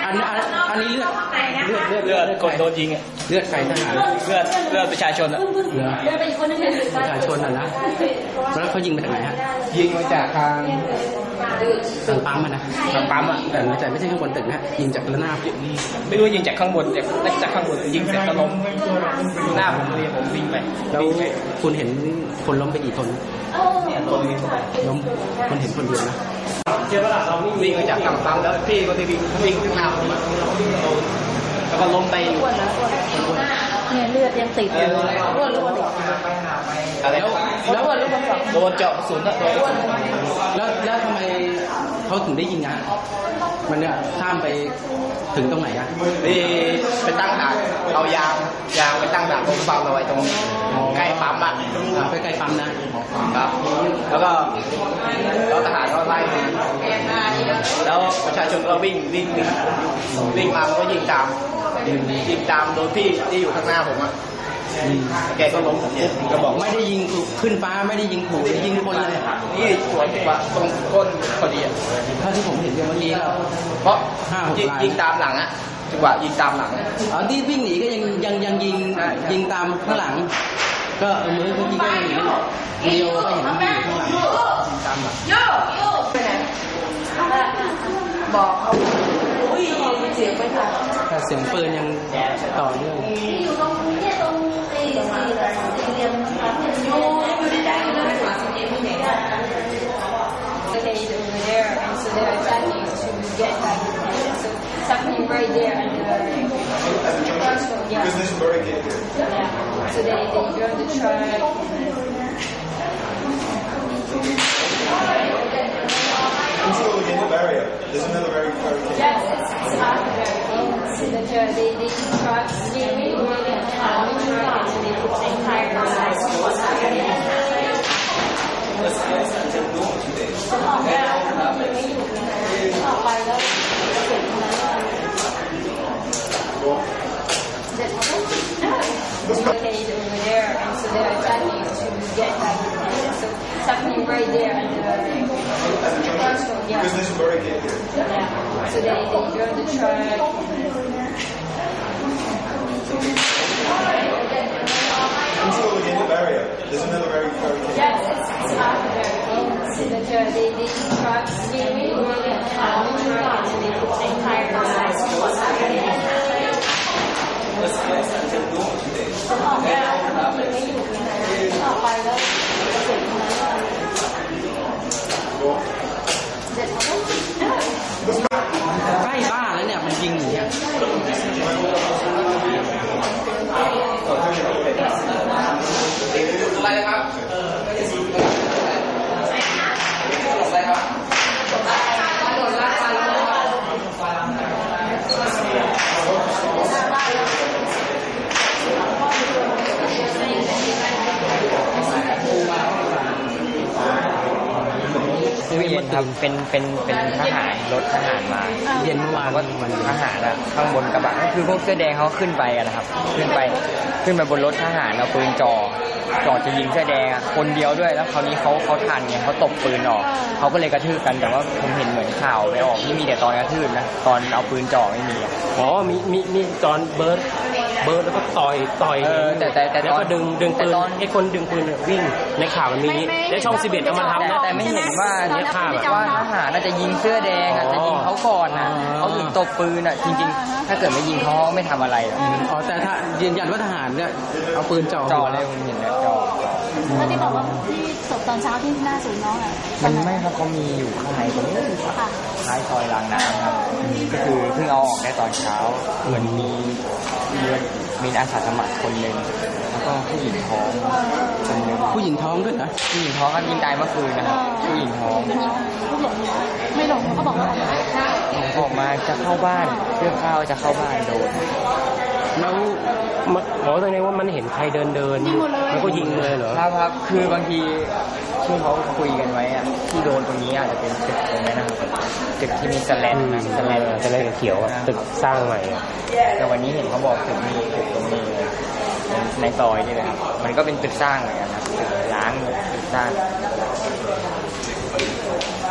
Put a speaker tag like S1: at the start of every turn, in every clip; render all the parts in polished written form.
S1: อันนี้เลือด
S2: คนโดนยิงอ่ะ
S1: เลือดใครทหาร
S2: เลือดประชาชนอ่ะ
S1: ประชาชนนะแล้วเขายิงมาจากไหนฮะ
S2: ยิงมาจากทาง
S1: ปั๊มนะ
S2: ทางปั๊มอ่ะ
S1: แต่ไม่ใช่ข้างบนตึกนะยิงจากระนาบ
S2: ไม่รู้ยิงจากข้างบนจากข้างบนยิงเสร็จก็ล้มหน้าผมเลยผมวิ่งไป
S1: แล้วคุณเห็นคนล้มไปกี่คน
S2: เนี่ยล้ม
S1: คนเห็นคนเดียวนะ
S2: วิ่งมาจากทางปั๊มแล้วพี่ก็วิ่งขึ้นมาแล้วก็ล้มไป
S3: เนี่ยเลือดยังติดอยู่ร่วน
S2: อะไรแล้วโดนเจาะกระสุน
S1: แล้วทำไมเขาถึงได้ยิงมันเนี่ยข้ามไปถึงตรงไหน
S2: ไปตั้งด่านเอายางไปตั้งด่านตรงปั๊มเอาไว้ตรงใกล้ปั๊มอ่ะ
S1: ไปใกล้ปั๊มนะครับ
S2: แล้วทหารก็ไล่แล้วประชาชนก็วิ่งมาแล้วก็ยิงตามโดนพี่ที่อยู่ข้างหน้าผมอ่ะแกก็ล้มก็บอก
S1: ไม่ได้ยิงขึ้นฟ้าไม่ได้ยิงขู่ยิงคนเลย
S2: นี่สวนตรงก้นพอดีอ่ะ
S1: เท่าที่ผมเห็นเมื่อกี้
S2: เพราะยิงตามหลังอ่ะจังหวะยิงตามหลัง
S1: ที่วิ่งหนีก็ยังยิงตามข้างหลังก็เมื่อกี้ก็หนีเดียวก็เห็นมันอยู่ข้างหลังตามหลัง
S3: บอกเขาเสียงไปค่ะ
S1: แต่เสียงปืนยังต่อเนื่อง
S3: อยู่ตรงนี้ตรงสี่เหลี่ยมอยู่ในใจเลย Okay, over there, and so they're attacking to get back. So it's happening right there, and yeah. Yeah. So they drove the truck.
S4: Who's still in the barrier? There's another barrier.
S3: Yes, it's half the barrier. They use trucks, they truck, and so they put tires. ออกไปแล้วเสร็จแล้ว Okay, over there, and so they're attacking to get back. So it's happening right there, and yeah. Yeah. So they drove the truck.
S4: Who's still in the barrier? There's another barrier.
S3: Yes, it's half the barrier. They use trucks, they truck, and so they put tires. ออกไปแล้วเสร็จ
S1: ใกล้บ้านแล้วเนี่ยมันยิงอย่างเงี้ย
S2: อะไรครับอะไร
S5: เย็นครับเป็นทหารรถทหารมา
S1: เย็นเมื่อวาน
S5: ก็ทหารอ่ะข้างบนกระบะก็คือพวกเสื้อแดงเขาขึ้นไปนะครับขึ้นไปบนรถทหารเอาปืนจ่อจะยิงเสื้อแดงคนเดียวด้วยแล้วคราวนี้เขาทันไงเขาตบปืนออกเขาก็เลยกระทืบกันแต่ว่าผมเห็นเหมือนข่าวไปออกที่มีแต่ตอนกระทืบนะตอนเอาปืนจ่อไม่มี
S1: มีตอนเบิร์ดแล้วก็ต่อย
S5: แต่
S1: แล้วก็ดึงปืนไอ้คนดึงปืนวิ่งในข่าวมันมีและช่อง11เอามาทำนะ
S5: แต่ไม่เห็นว่าเนี่ยว่าทหารน่าจะยิงเสื้อแดงจะยิงเขาก่อนนะเขาถึงตบปืนจริงๆถ้าเกิดไม่ยิงเขาไม่ทำอะไร
S1: แต่ถ้ายืนยันว่าทหารเนี่ยเอาปืนจ่อ
S5: เลยผมเห็นแล้วจ่อ
S3: แล้วที่บอกว่าที่ศพตอนเช้าที่หน้าศูนย์น้อง
S5: มันไม่ครับเขามีอยู่ข้างในตรงนี้ท้ายซอยรางน้ำครับก็คือเพิ่งเอาออกได้ตอนเช้าเหมือนมีอาสาสมัครคนหนึ่งแล้วก็ผู้หญิงท้องคนหนึ่ง
S1: ผู้หญิงท้องด้วยนะ
S5: ผู้หญิงท้องก็ยิงตายเมื่อคืนนะครับผู้หญิงท้อง
S3: ไม่หลงเขาบอกว่า
S5: ออกมาจะเข้าบ้านเรื่องข้าวจะเข้าบ้านโดน
S1: แล้วหมอตรงนี้ว่ามันเห็นใครเดินมันก็ยิงเลยเหรอ
S5: ครับคือบางทีที่เขาคุยกันไว้อะที่โดนตรงนี้อาจจะเป็นตึกตรงนี้นะครับตึกที่มีแสลน
S1: เขียวตึกสร้างใหม่
S5: แต่วันนี้เห็นเขาบอกตึกมีตึกตรงนี้ในซอยนี่เลยครับมันก็เป็นตึกสร้างเหมือนกันนะตึกล้างตึกสร้าง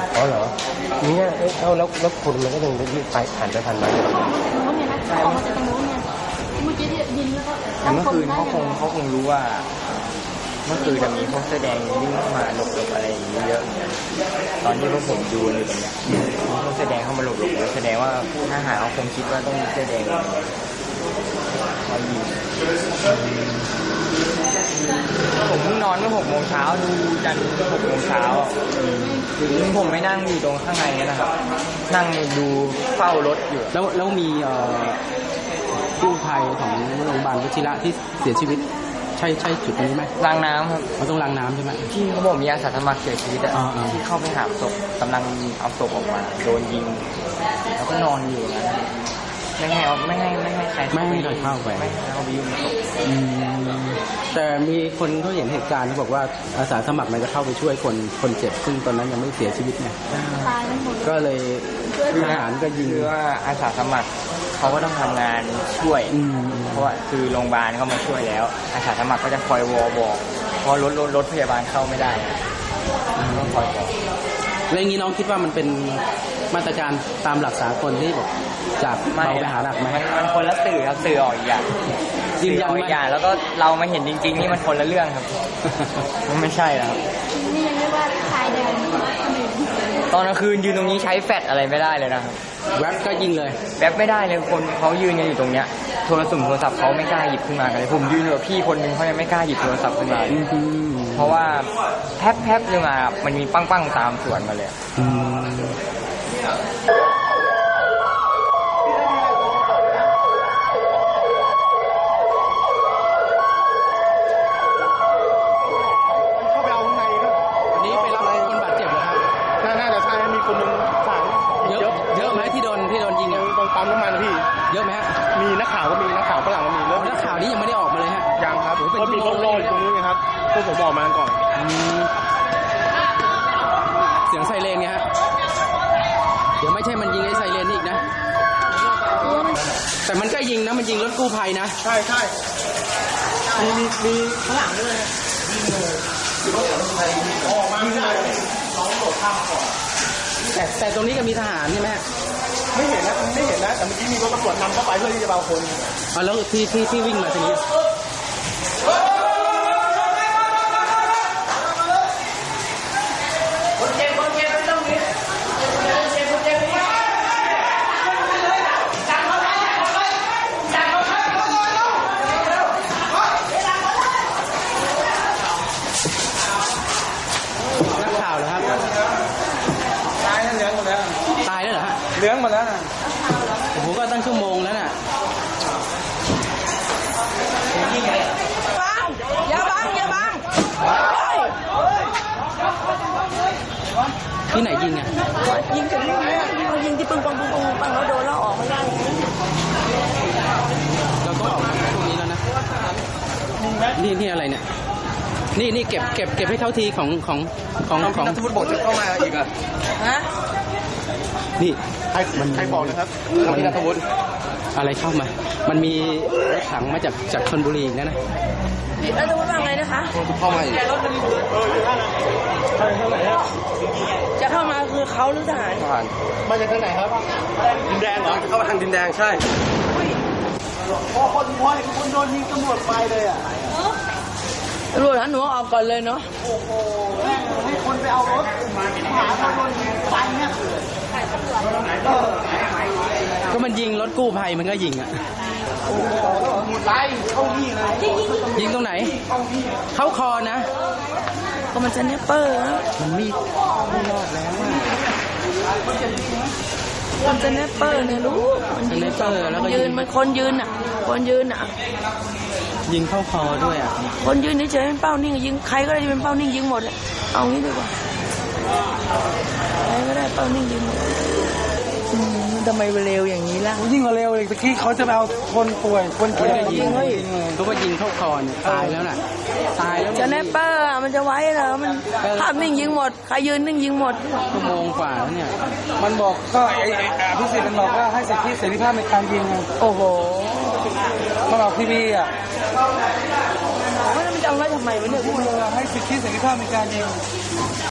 S6: อ๋อเหรอเนี่ยแล้วคนมันก็ยังยืดไปผ่านไปผ่านมา
S3: ตรงนู้นเนี่ยนะออกมาจากตรงนู้นเนี่ยเมื่อกี้ที่ยิงแล้วก็
S5: แต่เมื่อคืนเขาคงรู้ว่า เมื่อคืนจะมีพวกเสื้อแดงวิ่งเข้ามาหลบอะไรอย่างนี้เยอะตอนที่พวกผมดูอยู่ตรงเนี้ยพวกเสื้อแดงเข้ามาหลบแล้วแสดงว่าทหารเขาคงคิดว่าต้องมีเสื้อแดงเขายิงผมเพิ่งนอนเมื่อ6 โมงเช้าดูจันทร์6 โมงเช้าถึงผมไม่นั่งอยู่ตรงข้างในนะครับนั่งดูเฝ้ารถอยู่
S1: แล้วมีกู้ภัยของโรงพยาบาลวชิระที่เสียชีวิตใช่จุดนี้ไหม
S5: รางน้ำครับ
S1: เขาต้องรางน้ำใช่ไหม
S5: ที่เขาบอกมีอาสาสมัครเสียชีวิตที่เข้าไปหาศพกำลังเอาศพออกมาโดนยิงแล้วก็นอนอยู่นะไม่ให้ใคร
S1: ไม่ให้เข้าไป
S5: ไม่ให้เขาไปยุ่งศพ
S1: แต่มีคนเขาเห็นเหตุการณ์เขาบอกว่าอาสาสมัครมันจะเข้าไปช่วยคนเจ็บซึ่งตอนนั้นยังไม่เสียชีวิตไงก็เลยทหารก็ยิง
S5: ว่าอาสาสมัครเขาก็ต้องทำงานช่วยเพราะว่าคือโรงพยาบาลเขามาช่วยแล้วอาสาสมัครก็จะคอยวอบอกเพราะรถพยาบาลเข้าไม่ได้ต้องคอยบอก
S1: แล้วอย่างนี้น้องคิดว่ามันเป็นมาตรการตามหลักสากลที่บอกจากเบาไปหาหนักไหม
S5: มันคนละสื่อครับสื่อออกอีกอย่าง
S1: ยืนยัน
S5: อีกอย่างแล้วก็เรามาเห็นจริงๆนี่มันคนละเรื่องครับมันไม่ใช่แล้ว
S3: นี่ยังเรียกว่าชายเดิน
S5: ตอนกลางคืนยืนตรงนี้ใช้แฟลชอะไรไม่ได้เลยนะครับ
S1: แว็บก็ยิงเลย
S5: แว็บไม่ได้เลยคนเขายืนกันอยู่ตรงเนี้ยโทรศัพท์เขาไม่กล้าหยิบขึ้นมากันเลยผมยืนกับพี่คนนึงเขายังไม่กล้าหยิบโทรศัพท์ขึ้นมาเพราะว่าแป๊บนึงมามันมีปั้งตามสวนมาเลย
S6: ปั๊มน้ำมันพี่
S1: เยอะไหมฮะ
S6: มีนักข่าวก็มีนักข่าวฝรั่งก็มี
S1: แล้วนักข่าวนี้ยังไม่ได้ออกมาเลยฮะ
S6: ยังครับก็มีโล่ๆอยู่ตรงนู้นไงครับพวกผมบอกมาก่อน
S1: เสียงไซเรนไงฮะเดี๋ยวไม่ใช่มันยิงไอ้ไซเรนอีกนะแต่มันก็ยิงนะมันยิงรถกู้ภัยนะ
S6: ใช่มีฝรั่งด้วยออกมาไม่ได้น้องโดดข้ามก่อน
S1: แต่ตรงนี้ก็มีทหารใช่ไหม
S6: ไม่เห็นนะแต่เมื่อกี้มีรถตำรวจนำเข้าไปเพื่อที่จะเบาคน
S1: แล้วที่วิ่งมาทีนี้
S2: คนเจ็บไม่ต้องมีคนเจ็บ
S1: นักข่าวเหรอครับ
S6: ตายแล้วเหลืองหมดแล้ว
S1: ตายแล้วเหรอฮะ
S6: เหลืองหมดแล้วนะ
S1: โอ้โหก็ตั้งชั่วโมงแล้วน่ะ
S3: อย่าบัง
S1: ที่ไหนยิงอ่ะ
S3: ยิงถึงเขายิงที่ปังแล้วโดนแล้วออกไม่ได้
S1: เราต้องออกพวกนี้แล้วนะนี่อะไรเนี่ยนี่เก็บให้เขาทีของ
S6: นักฟุตบอลจะเข้ามาอีกอ่ะ
S3: ฮะ
S1: นี่
S6: ใครบอกนะครับมันนักฟุต
S1: อะไรเข้ามามันมีรถถังมาจากชลบุรีอีกนะ
S3: แล้วจะพูดว่าไงนะคะ
S6: เข้ามาอีก
S3: จะเข้ามาคือเขาหรือทหาร
S6: มาจากทางไหนครับดินแดงเหรอจะเข้ามาทางดินแดงใช่พอคนโดนยิงตำรวจไปเลยอ่ะ
S3: ตำรวจหนูออกก่อนเลยเนาะ
S6: โอ้โหให้คนไปเอารถหาคนโดนยิงไปเนี่ย
S1: ก็มันยิงรถกู้ภัยมันก็ยิงอ่ะ
S6: หมดไล่เข้านี่เลย
S1: ยิงตรงไหนเข้าคอนะ
S3: ก็มันจะเนปเปอร์
S1: มันไม่รอดแล้ว
S3: มันจะเนปเปอร์เนี่ยรู้
S1: มันเนปเปอร์แล้วก็
S3: ยืนมันคนยืนอ่ะ
S1: ยิงเข้าคอด้วยอ่ะ
S3: คนยืนเฉยๆเป็นเป้านิ่งยิงใครก็ได้เป็นเป้านิ่งยิงหมดเอางี้ดีกว่าใครก็ได้เป้านิ่งยิงหมดทำไมเร็วอย่างนี้ล่ะ
S6: ยิ่งกว่าเร็วเลยตะกี้เขาจะไปเอาคนป่วยคนเจ็บ
S1: ยิงก็ว่ายิงเข้าคอเนี่ยตายแล้วน่ะตายแล้ว
S3: จะเนปเปอร์มันจะไว้เหรอมันภาพนิ่งยิงหมดใครยืนนิ่งยิงหมด
S1: ชั่วโมงกว่าแล้วเนี่ย
S6: มันบอกก็พิเศษมันบอกว่าให้สิทธิเสรีภาพในการยิง
S3: โอ้โห
S6: มาบอกพี่อ่ะ
S3: มันจะเอาไว้ทำไมวะเนี่ย
S6: พูดเลยให้สิทธิเสรีภาพในการยิง